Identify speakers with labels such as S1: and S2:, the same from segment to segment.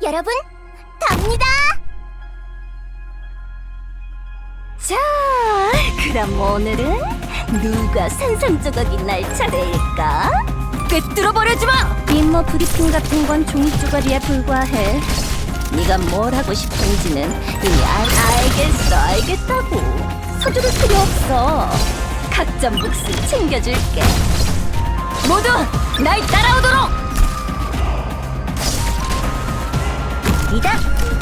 S1: 여러분, 갑니다! 자, 그럼 오늘은 누가 산산조각이 날 차례일까? 꿰뚫어버려지 마! 임무 브리핑 같은 건 종이조각이에 불과해. 네가 뭘 하고 싶은지는 이미 알겠다고. 서두를 필요 없어. 각자 몫을 챙겨줄게. 모두 날 따라오도록! 이다!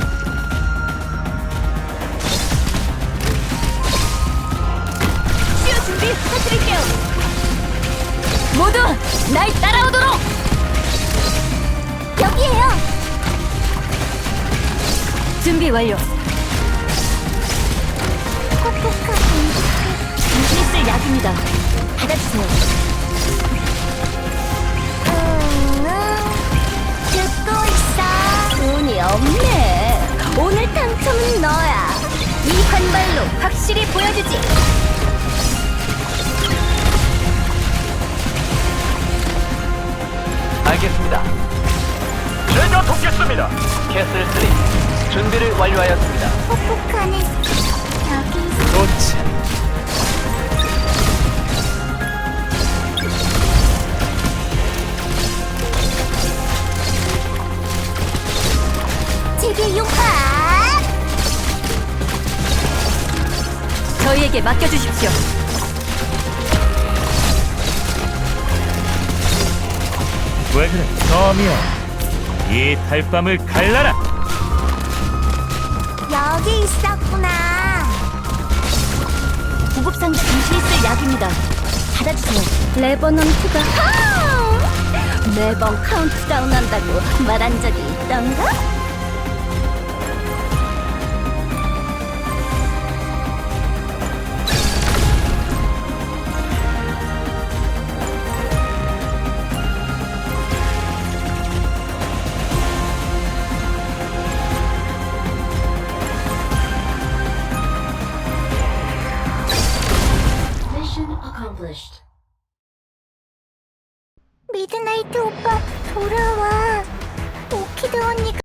S1: 치유 준비 부탁드릴게요. 모두 날 따라오도록! 여기에요. 준비 완료. 당신이 쓸 약입니다. 받아주세요. 듣고 있어. 운이 없네. 오늘 당첨은 너야. 이 한발로 확실히 보여주지.
S2: 알겠습니다. 제가 돕겠습니다. 캐슬 3 준비를 완료하였습니다.
S1: 폭폭하네. 여기
S2: 좋지.
S1: 제게 용파.
S3: 저희에게 맡겨주십시오.
S4: 왜 그래, 덤이야. 이 달밤을 갈라라.
S1: 여기 있었구나.
S3: 구급상자 당신이 쓸 약입니다. 받아주세요.
S1: 레버넌트가 매번 카운트다운 한다고 말한 적이 있던가? 미드나이트 오빠 돌아와. 오키드 언니가